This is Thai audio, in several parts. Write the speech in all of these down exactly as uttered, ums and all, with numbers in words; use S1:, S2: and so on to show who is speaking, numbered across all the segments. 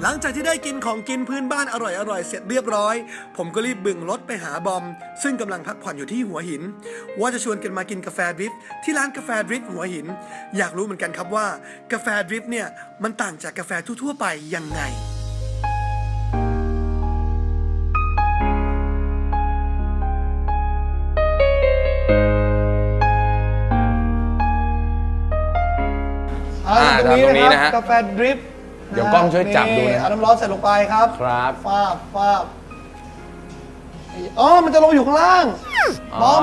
S1: หลังจากที่ได้กินของกินพื้นบ้านอร่อยๆเสร็จเรียบร้อยผมก็รีบบึ่งรถไปหาบอมซึ่งกำลังพักผ่อนอยู่ที่หัวหินว่าจะชวนกันมากินกาแฟดริฟต์ที่ร้านกาแฟดริฟต์หัวหินอยากรู้เหมือนกันครับว่ากาแฟดริฟต์เนี่ยมันต่างจากกาแฟทั่วๆไปยังไง
S2: อ่าตรงนี้นะฮะ
S1: กาแฟดริฟต์
S2: เดี๋ยวกล้องช่วยจับดูนะ
S1: เอาน้ำร้อนใส่ลงไปครับ
S2: ครับ
S1: ฟาบฟาบอ๋อมันจะลงอยู่ข้างล่างบอม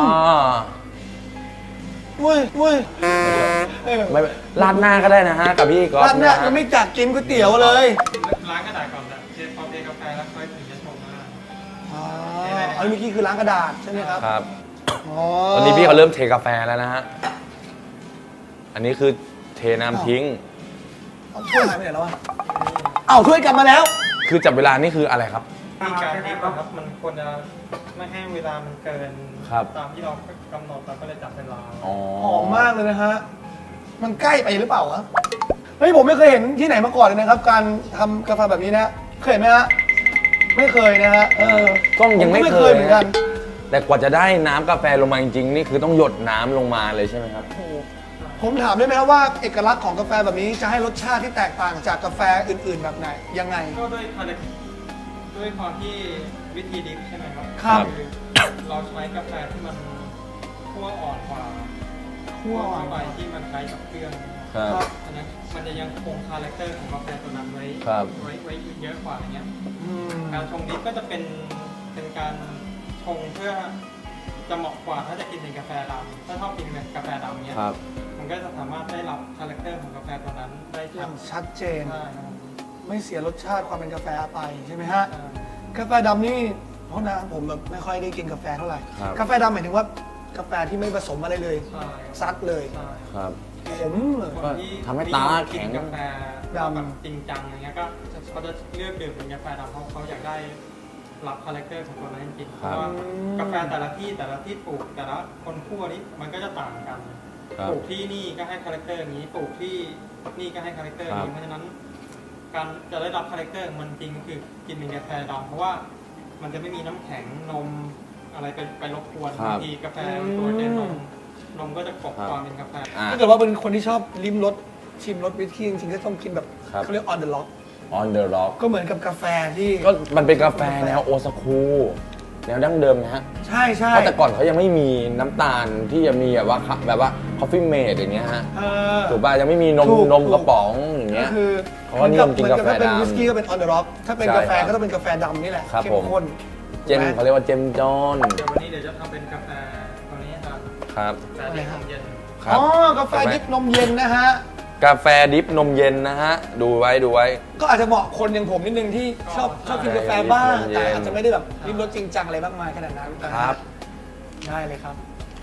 S1: เว้ยเว้ย
S2: ไม่ราดหน้าก็ได้นะฮะกับพี่ก๊อฟ
S1: ร้านเนี่ยยังไม่จัดกินก๋วยเตี๋ยวเลย
S3: ล้างกระดาษก่อนนะเทพอเทกาแฟแล้วค่อยถึงจะชงมา
S1: อ๋ออันนี้เมื่อกี้คือล้างกระดาษใช่ไหมครับ
S2: ครับ
S1: อ๋อ
S2: ตอนนี้พี่เขาเริ่มเทกาแฟแล้วนะฮะอันนี้คือเทน้ำทิ้ง
S1: เอาถ้วยหายไปไหนแล้ววะเอ้าถ้วยกลับมาแล้ว
S2: คือจับเวลานี่คืออะไรครับ
S3: มีการนี้ครับมันควรจะไม่ให้เวลามันเกินตามที่เรากำหนดเราก็เลยจับเวลา
S1: หอมมากเลยนะฮะมันใกล้ไปหรือเปล่าวะเฮ้ยผมไม่เคยเห็นที่ไหนมาก่อนเลยนะครับการทำกาแฟแบบนี้นะเคยเห็นไหมฮะไม่เคยนะฮะเออก
S2: ล้องยังไม่เคย
S1: เหมือนกัน
S2: แต่กว่าจะได้น้ำกาแฟลงมาจริงๆนี่คือต้องหยดน้ำลงมาเลยใช่ไหมครับ
S1: ผมถามได้ไหมครับว่าเอกลักษณ์ของกาแฟแบบนี้จะให้รสชาติที่แตกต่างจากกาแฟอื่นๆแบบไหนยังไง
S3: ก็ด้วยคาแรคด้วยความที่วิธีดิฟใช่ไหมครับ
S1: ครับ
S3: เราใช้กาแฟที่มันคั่วอ่อนกว่าคั่วอ่อนไปที่มันใช้กับเครื่อง
S2: ครับ
S3: อันนั้นมันจะยังคงคาแรคเตอร์ของกาแฟตัวนั้นไว้ไว้ไว้เยอะกว่าอย่างเงี้ยการชงดิฟก็จะเป็นเป็นการชงเพื่อจะเหมาะกว่าถ้าจะกินเป็นกาแฟดำถ้าชอบกินเป็นกาแฟดำเนี้ยมันก็จะสามารถได้รับคาแรคเตอร์ของกาแฟตัวนั้นได้
S1: ชัดเจนไม่เสียรสชาติความเป็นกาแฟไปใช่ไหมฮะกาแฟดำนี่เพราะนะผมแบบไม่ค่อยได้กินกาแฟเท่าไหร่กาแฟดำหมายถึงว่ากาแฟที่ไม่ผสมอะไรเลยซัดเลย
S2: ครับ
S1: ผม
S2: ทำให้ตาแข็ง
S3: กาแฟดำจริงจังอย่างเงี้ยก็เขาจะเลือกดื่มเป็นกาแฟดำเพราะเขาอยากได้รับคาแรคเตอร์ของตัวนั้นจริงเพราะว่ากาแฟแต่ละที่แต่ละที่ปลูกแต่ละคนคั่วนี้มันก็จะต่างกันปลูกที่นี่ก็ให้คาแรคเตอร์นี้ปลูกที่นี่ก็ให้คาแรคเตอร์นี้เพราะฉะนั้นการจะได้รับคาแรคเตอร์มันจริงคือกินเป็นกาแฟดำเพราะว่ามันจะไม่มีน้ำแข็งนมอะไรไปไปรบกวนบางทีกาแฟตัวเจนนมนมก็จะกลบความเป็นกาแฟ
S1: ถ้าเกิดว่าเป็นคนที่ชอบลิ้มรสชิมรสวิสกี้จริงๆก็ต้องกินแบบเขาเรียก on the rock
S2: on the rock
S1: ก็เหมือนกับกาแฟที่
S2: ก็มันเป็นกาแฟแนวโอซากุแนวดั้งเดิมนะฮะ
S1: ใช่ใช่
S2: เพราะแต่ก่อนเขายังไม่มีน้ำตาลที่จะมีแบบว่าแบบว่า coffee mate อย่างเงี้ยฮะถูกป่ะยังไม่มีนมนมกระป๋องอย่างเงี้ย
S1: คือ
S2: เพราะว่านิยมกินกาแฟดำ
S1: เป็นวิสกี้ก็เป็น on the rock ถ้าเป็นกาแฟก็ต้องเป็นกาแฟดำนี่แหละเข้มข้น
S2: เจมเขาเรียกว่าเจมจอน
S3: เดี๋ยววันนี้เดี๋ยวจะทำเป็นกาแฟตัวนี้ครับ
S2: ครับ
S3: กาแฟดิบนมเย็น
S1: อ๋อกาแฟดิบนมเย็นนะฮะ
S2: กาแฟดิบนมเย็นนะฮะดูไว้ดูไว้
S1: ก็อาจจะเหมาะคนอย่างผมนิดนึงที่ชอบชอบกินกาแฟบ้างแต่อาจจะไม่ได้แบบริมรสจริงจังอะไรมากมายขนาดนั้น
S2: ครับ
S1: ได้เลยครับ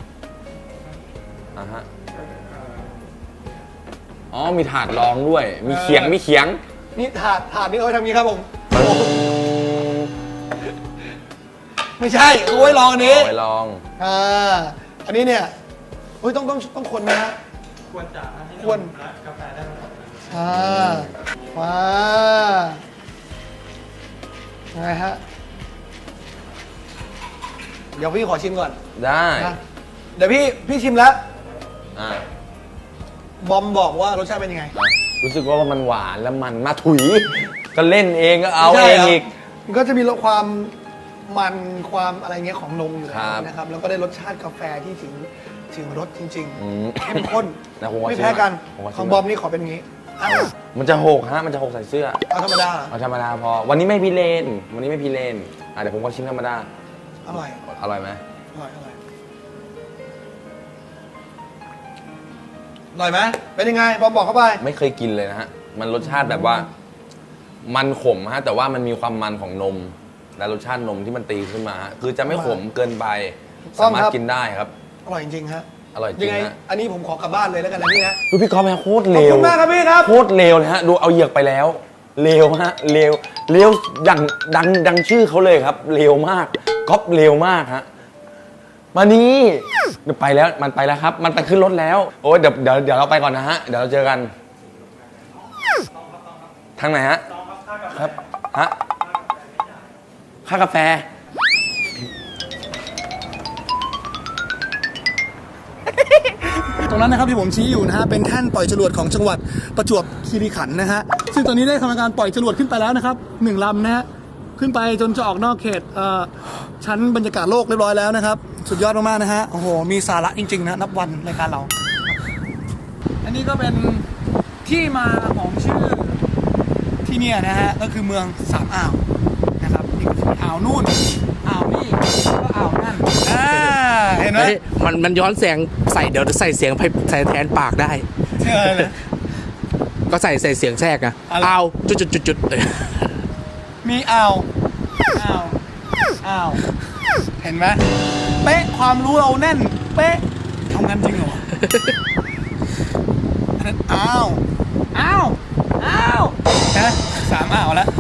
S2: อ่าฮะอ๋อมีถาดรองด้วยมีเขียงมีเขียง
S1: นี่ถาดถาดนี่เอาไว้ทำนี้ครับผมไม่ใช่เอาไว้ลองอันนี้
S2: เอาไว้ลอง
S1: อ่าอันนี้เนี่ยเฮ้ยต้องต้องต้องคนนะ
S3: ควรจะให้
S1: ควร
S3: กาแฟได้ไหม
S1: อ่าว้าไงฮะเดี๋ยวพี่ขอชิมก่อน
S2: ได้
S1: เดี๋ยวพี่พี่ชิมแล้ว
S2: อ่า
S1: บอมบอกว่ารสชาติเป็นยังไง
S2: รู้สึกว่ามันหวานแล้วมันมาถุยก็เล่นเองก็เอาเองอีก
S1: มันก็จะมีความมันความอะไรเงี้ยของนมอยู่แล้วนะครับแล้วก็ได้รสชาติกาแฟที่ถึงถึงรสจริงๆเข้มข้นไม่แพ้กันของบอมนี่ขอเป็นงี้
S2: มันจะหกฮะมันจะหกใส่เสื้อ
S1: เอาธรรมดา
S2: เอาธรรมดาพอวันนี้ไม่พิเรนวันนี้ไม่พิเรนอ่ะเดี๋ยวผมก็ชิมธรรมดา
S1: อร่อย
S2: อร่อยไหม
S1: อร่อยอร่อยอร่อยไหมเป็นยังไงบอมบอกเข้าไป
S2: ไม่เคยกินเลยนะฮะมันรสชาติแบบว่ามันขมฮะแต่ว่ามันมีความมันของนมและรสชาตินมที่มันตีขึ้นมาคือจะไม่ขมเกินไปสามารถกินได้ครับ
S1: อร่อยจริงๆฮะ
S2: อร่อยจริงฮะ
S1: อันนี้ผมขอกลับบ้านเลยแล้วกันนะพี่นะ
S2: ดูพี่ก๊อฟนะโคตรเลว
S1: ขอบคุณมากครับพี่ครับ
S2: โคตรเลวเลยฮะดูเอาเหยือกไปแล้วเลวฮะเลวเลวอย่างดังดังชื่อเขาเลยครับเลวมากก๊อฟเลวมากฮะมานี่เดี๋ยวไปแล้วมันไปแล้วครับมันไปขึ้นรถแล้วโอ้ยเดี๋ยวเดี๋ยวเดี๋ยวเราไปก่อนนะฮะเดี๋ยวเราเจอกันทางไหนฮะครับฮะค่ากาแฟ
S1: ตรงนั้นนะครับที่ผมชี้อยู่นะฮะเป็นแท่นปล่อยจรวดของจังหวัดประจวบคีรีขันธ์นะฮะซึ่งตอนนี้ได้ทำการปล่อยจรวดขึ้นไปแล้วนะครับหนึ่งลำนะฮะขึ้นไปจนจะออกนอกเขตเอ่อชั้นบรรยากาศโลกเรียบร้อยแล้วนะครับสุดยอดมากๆนะฮะโอ้โหมีสาระจริงๆนะนับวันรายการเรา อันนี้ก็เป็นที่มาของชื่อที่เนี่ยนะฮะก็คือเมืองสามอ่าวนะครับนี่ก็คืออ่าวนู่นอ่าวนี่แล้วก็อ่าวนั่นอ่าเห็นไหม
S4: เฮ้ยมันมันย้อนเสียงใส่เดี๋ยวใส่เสียงไปใส่แทนปากได้
S1: เชื่อเลย
S4: ก็ใส่ใส่เสียงแทรกอะ
S1: อะไร
S4: เอาจุดจุดจุดจุดเออ
S1: มีอ่าวอ่าวอ่าวเห็นไหมเป๊ะความรู้เราแน่นเป๊ะทำงานจริงเหรอวะอันนั้นอ้าวอ้าวอ้าวนะสามอ่าวแล้ว